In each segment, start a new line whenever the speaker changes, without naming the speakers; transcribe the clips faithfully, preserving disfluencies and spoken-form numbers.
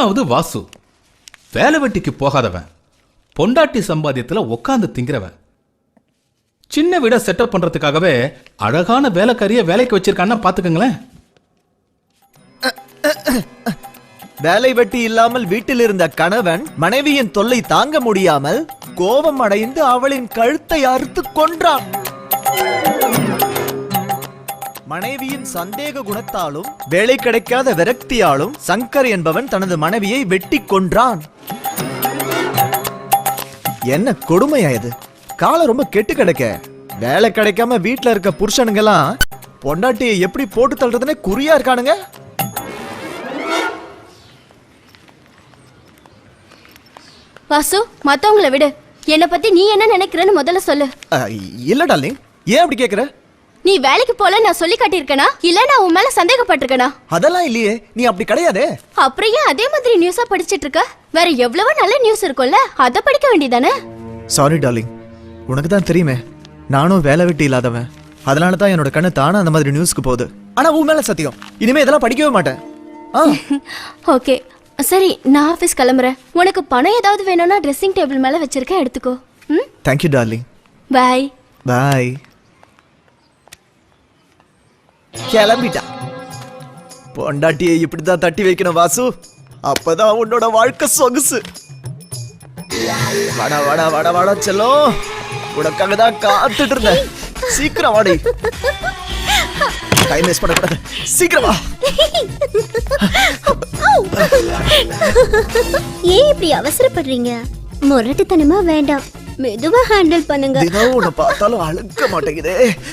மூணாவது வாசு. வேலை வெட்டிக்கு போகாதவன், பொண்டாட்டி சம்பாத்தியத்துல உட்காந்து திங்கிறவன். சின்ன வீட செட்டப் பண்றதுக்காகவே அழகான வேலைக்காரிய வேலைக்கு வச்சிருக்கான்னா பாத்துக்கங்களேன்.
வேலை வெட்டி இல்லாமல் வீட்டில் இருந்த கணவன் மனைவியின் தொல்லை தாங்க முடியாமல் கோபம் அடைந்து அவளின் கழுத்தை அறுத்து கொன்றான். மனைவியின் சந்தேக குணத்தாலும் வேலை கிடைக்காத விரக்தியாலும் சங்கர் என்பவன் தனது மனைவியை வெட்டி கொன்றான். என்ன கொடுமையா இது? காலம் ரொம்ப கெட்டு கிடக்க. வேலை கிடைக்காம வீட்டுல இருக்க புருஷனுங்கெல்லாம் பொண்டாட்டியை எப்படி போட்டு தள்ளுறதுன்னு குறியா இருக்கானுங்க.
வாசு, மத்தவங்களை விடு. என்னை பத்தி நீ என்ன நினைக்கிறன்னு முதல்ல சொல்லு.
இல்ல டார்லிங், ஏன் அப்படி கேக்குற?
நீ வேலைக்கு போல நான் சொல்லி காட்டியிருக்கனா இல்ல நான் உன் மேல சந்தேகப்பட்டிருக்கனா?
அதெல்லாம் இல்லையே, நீ அப்படி கிடையாதே.
அப்புறம் ஏன் அதே மாதிரி நியூஸா படிச்சிட்டு இருக்க? வேற எவ்வளவு நல்ல நியூஸ் இருக்கும்ல, அத படிக்க வேண்டியதானே?
சாரி டார்லிங், உனக்கு தான் தெரியுமே நானும் வேலை வெட்டி இல்லாதவன். அதனால தான் என்னோட கண்ணு தானா அந்த மாதிரி நியூஸ்க்கு போகுது. ஆனா உன் மேல சத்தியம், இனிமே இதெல்லாம் படிக்கவே மாட்டேன்.
ஓகே சரி, நான் ஆபீஸ் கிளம்புறேன். உனக்கு பணம் ஏதாவது வேணும்னா ட்ரெஸ்ஸிங் டேபிள் மேல வச்சிருக்கேன், எடுத்துக்கோ. ம்,
thank you darling.
Bye
bye. கிளம்பிட்டா. பொண்டாட்டியை இப்படிதான் தட்டி வைக்கணும் வாசு, அப்பதான் உன்னோட வாழ்க்கை சொகுசு. வாடா வாடா வாடா வாடா செல்லம், உனக்காக தான் காத்துட்டு இருந்தேன். சீக்கிரம் வாடி, டைம் வேஸ்ட் பண்ணக்கூடாது. சீக்கிரம் வா.
ஏன் இப்படி அவசரப்படுறீங்க? முரட்டுத்தனமா வேண்டாம், மெதுவா ஹேண்டில் பண்ணுங்க.
தினம் உன்னை பார்த்தாலும் அழுக்க மாட்டேங்குதே.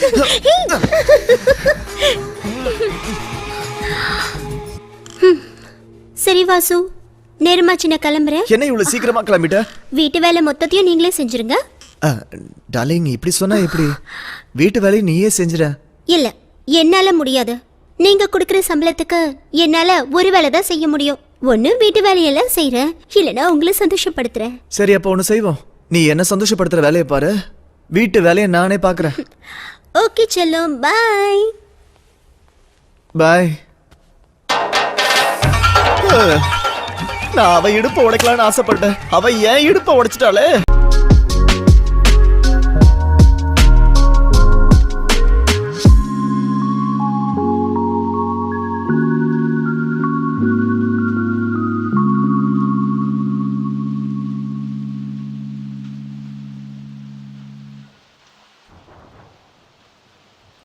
சரி வாசு, நேரமாச்சு, நான் கிளம்புறேன்.
என்ன இவ்வளவு சீக்கிரமா கிளம்பிட்ட?
வீட்டு வேலை மொத்தத்தையும் நீங்களே செஞ்சிருங்க.
டார்லிங், இப்படி சொன்னா எப்படி? வீட்டு வேலையை நீயே செஞ்சிட.
இல்ல, என்னால முடியாது. நீங்க குடுக்கற சம்பளத்துக்கு என்னால ஒரு வேலை தான் செய்ய முடியும். ஒண்ணு வீட்டு வேலையெல்லாம் செய்யறேன், இல்லனா உங்களை சந்தோஷப்படுத்துறேன்.
சரி, அப்ப ஒண்ணு செய்வோம். நீ என்ன சந்தோஷப்படுத்துற வேலையை பாரு, வீட்டு வேலையை நானே பாக்குறேன்.
ஓகே செல்லம், பாய்.
பாய். நான் அவ இடுப்ப உடைக்கலான்னு ஆசைப்பட்டேன், அவ ஏன் இடுப்ப உடைச்சிட்டாளே.